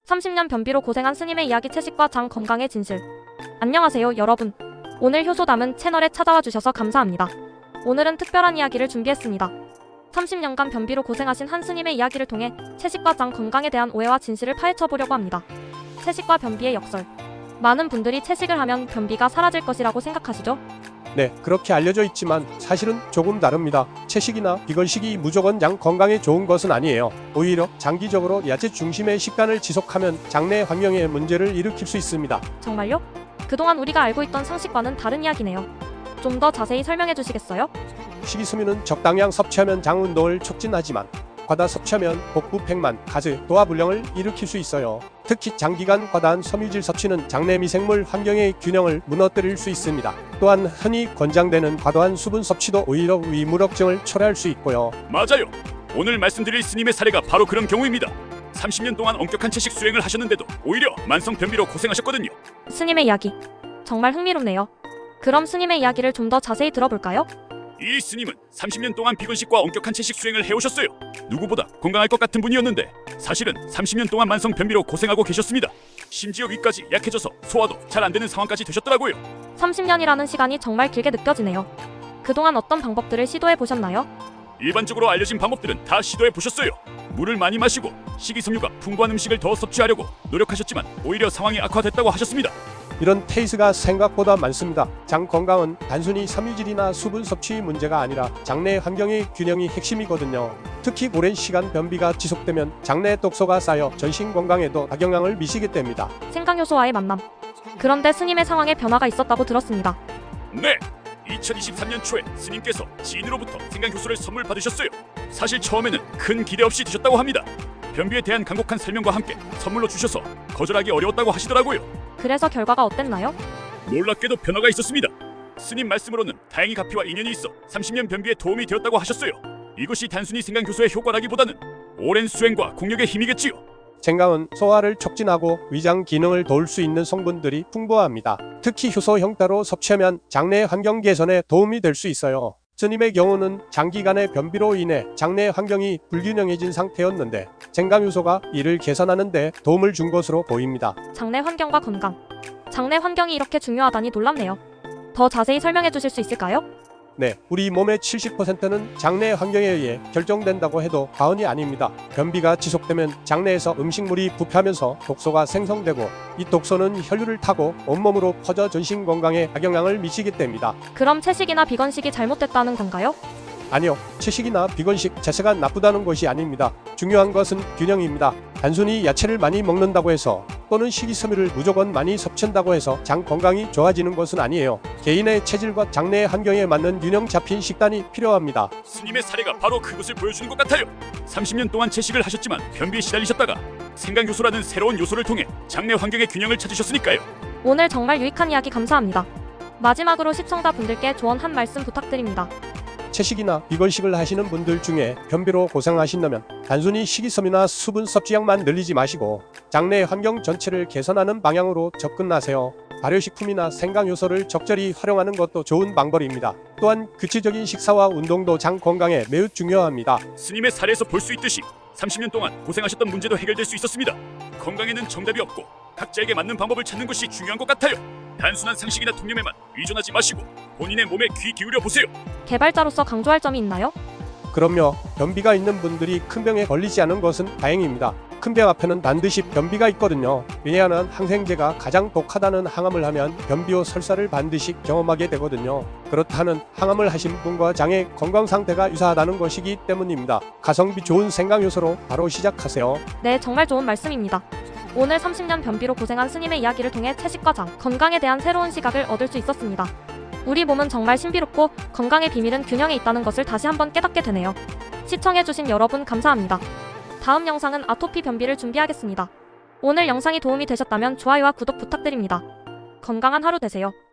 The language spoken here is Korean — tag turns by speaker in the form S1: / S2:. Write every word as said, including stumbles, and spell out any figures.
S1: 삼십 년 변비로 고생한 스님의 이야기 채식과 장 건강의 진실. 안녕하세요 여러분. 오늘 효소 담은 채널에 찾아와 주셔서 감사합니다. 오늘은 특별한 이야기를 준비했습니다. 삼십 년간 변비로 고생하신 한 스님의 이야기를 통해 채식과 장 건강에 대한 오해와 진실을 파헤쳐보려고 합니다. 채식과 변비의 역설. 많은 분들이 채식을 하면 변비가 사라질 것이라고 생각하시죠?
S2: 네, 그렇게 알려져 있지만 사실은 조금 다릅니다. 채식이나 비건식이 무조건 장 건강에 좋은 것은 아니에요. 오히려 장기적으로 야채 중심의 식단을 지속하면 장내 환경에 문제를 일으킬 수 있습니다.
S1: 정말요? 그동안 우리가 알고 있던 상식과는 다른 이야기네요. 좀 더 자세히 설명해 주시겠어요?
S2: 식이섬유는 적당량 섭취하면 장 운동을 촉진하지만 과다 섭취하면 복부 팽만, 가스, 도화불량을 일으킬 수 있어요. 특히 장기간 과다한 섬유질 섭취는 장내 미생물 환경의 균형을 무너뜨릴 수 있습니다. 또한 흔히 권장되는 과도한 수분 섭취도 오히려 위무력증을 초래할 수 있고요.
S3: 맞아요. 오늘 말씀드릴 스님의 사례가 바로 그런 경우입니다. 삼십 년 동안 엄격한 채식 수행을 하셨는데도 오히려 만성 변비로 고생하셨거든요.
S1: 스님의 이야기. 정말 흥미롭네요. 그럼 스님의 이야기를 좀 더 자세히 들어볼까요?
S3: 이 스님은 삼십 년 동안 비건식과 엄격한 채식 수행을 해오셨어요. 누구보다 건강할 것 같은 분이었는데 사실은 삼십 년 동안 만성 변비로 고생하고 계셨습니다. 심지어 위까지 약해져서 소화도 잘 안 되는 상황까지 되셨더라고요.
S1: 삼십 년이라는 시간이 정말 길게 느껴지네요. 그동안 어떤 방법들을 시도해 보셨나요?
S3: 일반적으로 알려진 방법들은 다 시도해 보셨어요. 물을 많이 마시고 식이섬유가 풍부한 음식을 더 섭취하려고 노력하셨지만 오히려 상황이 악화됐다고 하셨습니다.
S2: 이런 케이스가 생각보다 많습니다. 장 건강은 단순히 섬유질이나 수분 섭취 문제가 아니라 장내 환경의 균형이 핵심이거든요. 특히 오랜 시간 변비가 지속되면 장내 독소가 쌓여 전신 건강에도 악영향을 미치게 됩니다.
S1: 생강효소와의 만남. 그런데 스님의 상황에 변화가 있었다고 들었습니다.
S3: 네! 이천이십삼 년 초에 스님께서 지인으로부터 생강효소를 선물 받으셨어요. 사실 처음에는 큰 기대 없이 드셨다고 합니다. 변비에 대한 간곡한 설명과 함께 선물로 주셔서 거절하기 어려웠다고 하시더라고요.
S1: 그래서 결과가 어땠나요?
S3: 놀랍게도 변화가 있었습니다. 스님 말씀으로는 다행히 가피와 인연이 있어 삼십 년 변비에 도움이 되었다고 하셨어요. 이것이 단순히 생강효소의 효과라기보다는 오랜 수행과 공력의 힘이겠지요.
S2: 생강은 소화를 촉진하고 위장 기능을 도울 수 있는 성분들이 풍부합니다. 특히 효소 형태로 섭취하면 장내 환경 개선에 도움이 될 수 있어요. 스님의 경우는 장기간의 변비로 인해 장내 환경이 불균형해진 상태였는데 생강효소가 이를 개선하는 데 도움을 준 것으로 보입니다.
S1: 장내 환경과 건강. 장내 환경이 이렇게 중요하다니 놀랍네요. 더 자세히 설명해 주실 수 있을까요?
S2: 네, 우리 몸의 칠십 퍼센트는 장내 환경에 의해 결정된다고 해도 과언이 아닙니다. 변비가 지속되면 장내에서 음식물이 부패하면서 독소가 생성되고 이 독소는 혈류를 타고 온몸으로 퍼져 전신 건강에 악영향을 미치게 됩니다.
S1: 그럼 채식이나 비건식이 잘못됐다는 건가요?
S2: 아니요, 채식이나 비건식 자체가 나쁘다는 것이 아닙니다. 중요한 것은 균형입니다. 단순히 야채를 많이 먹는다고 해서 또는 식이섬유를 무조건 많이 섭취한다고 해서 장 건강이 좋아지는 것은 아니에요. 개인의 체질과 장내 환경에 맞는 균형 잡힌 식단이 필요합니다.
S3: 스님의 사례가 바로 그것을 보여주는 것 같아요. 삼십 년 동안 채식을 하셨지만 변비에 시달리셨다가 생강효소라는 새로운 요소를 통해 장내 환경의 균형을 찾으셨으니까요.
S1: 오늘 정말 유익한 이야기 감사합니다. 마지막으로 시청자분들께 조언 한 말씀 부탁드립니다.
S2: 채식이나 비건식을 하시는 분들 중에 변비로 고생하신다면 단순히 식이섬유나 수분 섭취량만 늘리지 마시고 장내 환경 전체를 개선하는 방향으로 접근하세요. 발효식품이나 생강효소를 적절히 활용하는 것도 좋은 방법입니다. 또한 규칙적인 식사와 운동도 장 건강에 매우 중요합니다.
S3: 스님의 사례에서 볼 수 있듯이 삼십 년 동안 고생하셨던 문제도 해결될 수 있었습니다. 건강에는 정답이 없고 각자에게 맞는 방법을 찾는 것이 중요한 것 같아요. 단순한 상식이나 통념에만 의존하지 마시고 본인의 몸에 귀 기울여 보세요.
S1: 개발자로서 강조할 점이 있나요?
S2: 그럼요. 변비가 있는 분들이 큰 병에 걸리지 않은 것은 다행입니다. 큰 병 앞에는 반드시 변비가 있거든요. 왜냐하면 항생제가 가장 독하다는 항암을 하면 변비 후 설사를 반드시 경험하게 되거든요. 그렇다는 항암을 하신 분과 장의 건강 상태가 유사하다는 것이기 때문입니다. 가성비 좋은 생강효소로 바로 시작하세요.
S1: 네, 정말 좋은 말씀입니다. 오늘 삼십 년 변비로 고생한 스님의 이야기를 통해 채식과 장, 건강에 대한 새로운 시각을 얻을 수 있었습니다. 우리 몸은 정말 신비롭고 건강의 비밀은 균형에 있다는 것을 다시 한번 깨닫게 되네요. 시청해주신 여러분 감사합니다. 다음 영상은 아토피 변비를 준비하겠습니다. 오늘 영상이 도움이 되셨다면 좋아요와 구독 부탁드립니다. 건강한 하루 되세요.